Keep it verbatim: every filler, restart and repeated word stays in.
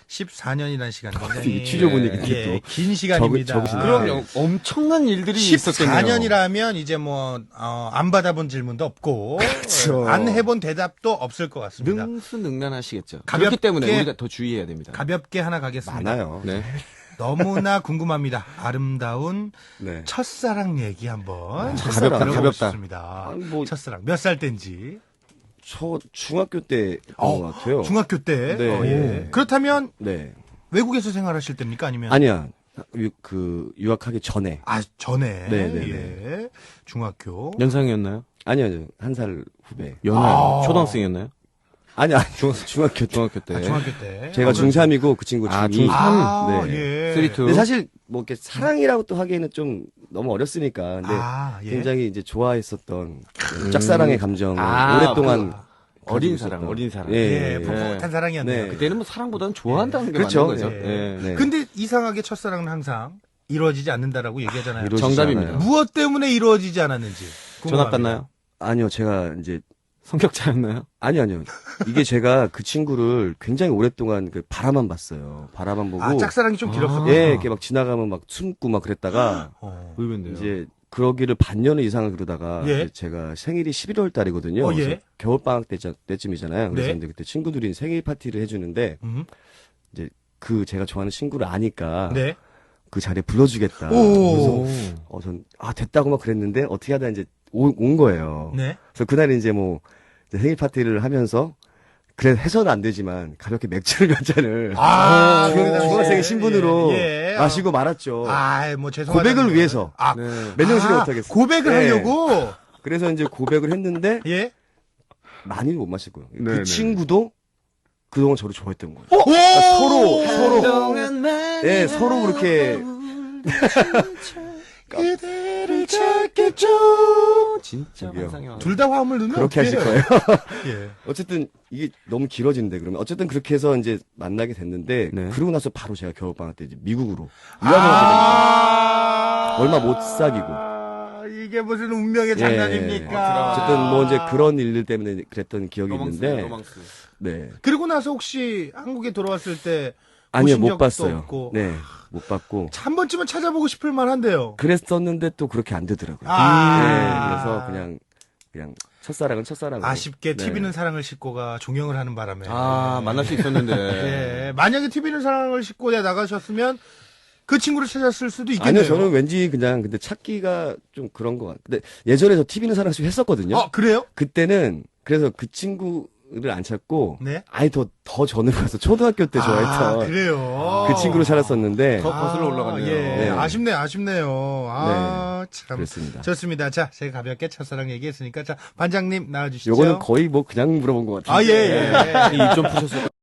십사 년이라는 시간 아, 굉장히 취조분이 예, 또 긴 시간입니다. 적으, 적으시네. 그럼 엄청난 일들이 있었겠네요. 십사 년이라면 이제 뭐, 어, 안 받아본 질문도 없고, 그렇죠. 안 해본 대답도 없을 것 같습니다. 능수능란하시겠죠. 가볍게- 그렇기 때문에 우리가 더 주의해야 됩니다. 가볍게 하나 가겠습니다. 많아요. 네. 너무나 궁금합니다. 아름다운 네. 첫사랑 얘기 한번 첫사랑, 들어보고 가볍다. 싶습니다. 아니, 뭐- 첫사랑 몇 살 때인지. 저 중학교 때였던 어, 것 같아요. 중학교 때. 네. 어, 예. 그렇다면 네. 외국에서 생활하실 때입니까? 아니면 아니야. 유, 그 유학하기 전에. 아 전에 네, 네, 예. 중학교. 연상이었나요? 아니요, 아니요. 한 살 후배. 연하 아. 초등학생이었나요? 아니, 아니. 중, 중학교 때. 중학교 때. 아, 중학교 때. 제가 아, 중삼이고 그 친구 아, 중이. 중삼. 아, 네. 예. 쓰리 투. 근데 사실 뭐 이렇게 사랑이라고 또 하기에는 좀 너무 어렸으니까. 근데 아, 예. 굉장히 이제 좋아했었던 짝사랑의 감정을 아, 오랫동안 어린 가지고 사랑, 있었던. 어린 사랑. 예, 예. 풋풋한 사랑이었네요. 네. 그때는 뭐 사랑보다는 좋아한다는 게 그렇죠. 맞는 거죠. 예. 예. 네. 근데 이상하게 첫사랑은 항상 이루어지지 않는다라고 얘기하잖아요. 이루어지지 정답입니다. 않아요. 무엇 때문에 이루어지지 않았는지. 전화 궁금합니다. 땄나요? 아니요, 제가 이제 성격차였나요? 아니요, 아니요. 이게 제가 그 친구를 굉장히 오랫동안 그 바라만 봤어요. 바라만 보고. 아, 짝사랑이 좀 아. 길었었구나. 예, 이렇게 막 지나가면 막 숨고 막 그랬다가 어. 의외인데요. 이제 그러기를 반년을 이상을 그러다가 예. 이제 제가 생일이 십일월 달이거든요. 어, 예. 그래서 겨울방학 때, 때쯤이잖아요. 그래서 네. 이제 그때 친구들이 생일 파티를 해주는데 음. 그 제가 좋아하는 친구를 아니까 네. 그 자리에 불러주겠다. 오. 그래서 어, 전, 아, 됐다고 막 그랬는데 어떻게 하다 이제 오, 온 거예요. 네. 그래서 그날 이제 뭐 이제 생일 파티를 하면서 그래 해서는 안 되지만 가볍게 맥주를 몇 잔을 아, 중- 그 당시에. 중학생 신분으로 예, 예. 마시고 말았죠. 아, 뭐 죄송하다. 고백을 위해서. 아, 네. 몇 년씩을 아, 못하겠어. 고백을 네. 하려고. 그래서 이제 고백을 했는데 예. 많이는 못 마시고요. 네, 그 네. 친구도 그동안 저를 좋아했던 거예요. 오! 서로 서로 한동안 예 서로 그렇게 그대를 찾겠죠. 진짜 저기요. 환상이 와요. 둘 다 화음을 넣으면 그렇게 하실 어떡해요? 거예요. 예. 어쨌든 이게 너무 길어지는데 그러면 어쨌든 그렇게 해서 이제 만나게 됐는데 네. 그러고 나서 바로 제가 겨울방학 때 이제 미국으로 유학을 가게 아~ 얼마 못 사귀고. 아, 이게 무슨 운명의 예. 장난입니까? 어쨌든 뭐 이제 그런 일들 때문에 그랬던 기억이 로망스, 있는데 로망스. 네 그리고 나서 혹시 한국에 돌아왔을 때 아니요 보신 못 적도 봤어요. 없고. 네 못 봤고 한 번쯤은 찾아보고 싶을 만한데요. 그랬었는데 또 그렇게 안 되더라고요. 아. 네, 그래서 그냥 그냥 첫사랑은 첫사랑으로. 아쉽게 네. 티비는 사랑을 싣고가 종영을 하는 바람에. 아, 만날 수 있었는데. 예. 만약에 티비는 사랑을 싣고 나가셨으면 그 친구를 찾았을 수도 있겠네요. 아니요, 저는 왠지 그냥 근데 찾기가 좀 그런 것 같아요. 근데 예전에 저 티비는 사랑 씨 했었거든요. 어, 그래요? 그때는 그래서 그 친구를 안 찾고 네. 아예 더, 더 전으로 가서 초등학교 때 아, 좋아했던 그래요. 그 친구를 찾았었는데 더 거슬러 올라가네요. 예. 네. 아쉽네요, 아쉽네요. 아, 참. 그랬습니다. 좋습니다. 자, 제가 가볍게 첫사랑 얘기했으니까, 자, 반장님 나와주시죠. 요거는 거의 뭐 그냥 물어본 것 같아요. 아, 예, 예. 입 좀 푸셨을